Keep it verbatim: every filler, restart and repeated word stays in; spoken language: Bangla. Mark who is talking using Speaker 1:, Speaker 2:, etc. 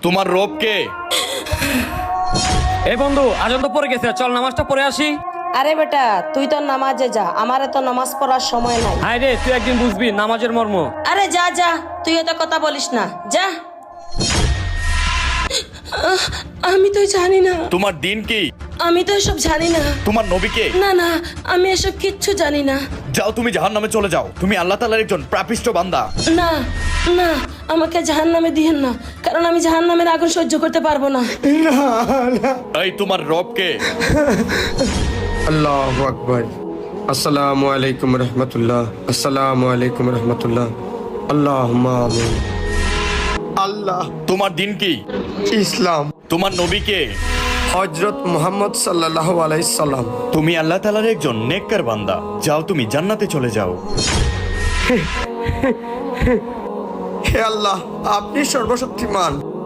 Speaker 1: তোমার রব কে?
Speaker 2: এই বন্ধু আজান তো পড়ে গেছে, চল নামাজটা পড়ে আসি।
Speaker 3: আরে বেটা তুই তো নামাজে যা, আমারে তো নামাজ পড়ার সময় নাই।
Speaker 2: হায় রে, তুই একদিন বুঝবি নামাজের মর্ম।
Speaker 3: আরে যা যা, তুই এত কথা বলিস না, যা। আহ, আমি তো জানি না।
Speaker 1: তোমার দিন কি?
Speaker 3: আমি তো এসব জানি না।
Speaker 1: তোমার নবী কে?
Speaker 3: না না, আমি এসব কিচ্ছু জানি না।
Speaker 1: যাও তুমি জাহান্নামে চলে যাও, তুমি আল্লাহ তাআলার একজন পাপিষ্ঠ বান্দা।
Speaker 3: না না, আমাকে জাহান্নামে দিয়েন না, কারণ আমি জাহান্নামের আগুন সহ্য করতে পারবো না।
Speaker 1: এই তোমার রব কে?
Speaker 4: আল্লাহু আকবার। আসসালামু আলাইকুম রহমতুল্লাহ। আসসালামু আলাইকুম রহমতুল্লাহ। আল্লাহুম্মা আমিন। আল্লাহ।
Speaker 1: তোমার দিন কি?
Speaker 4: ইসলাম।
Speaker 1: তোমার নবী কে?
Speaker 4: হযরত মুহাম্মদ সাল্লাল্লাহু আলাইহি সাল্লাম।
Speaker 1: তুমি আল্লাহ তাআলার একজন নেককার বান্দা, যাও তুমি জান্নাতে চলে যাও।
Speaker 4: হে আল্লাহ, আপনি সর্বশক্তিমান।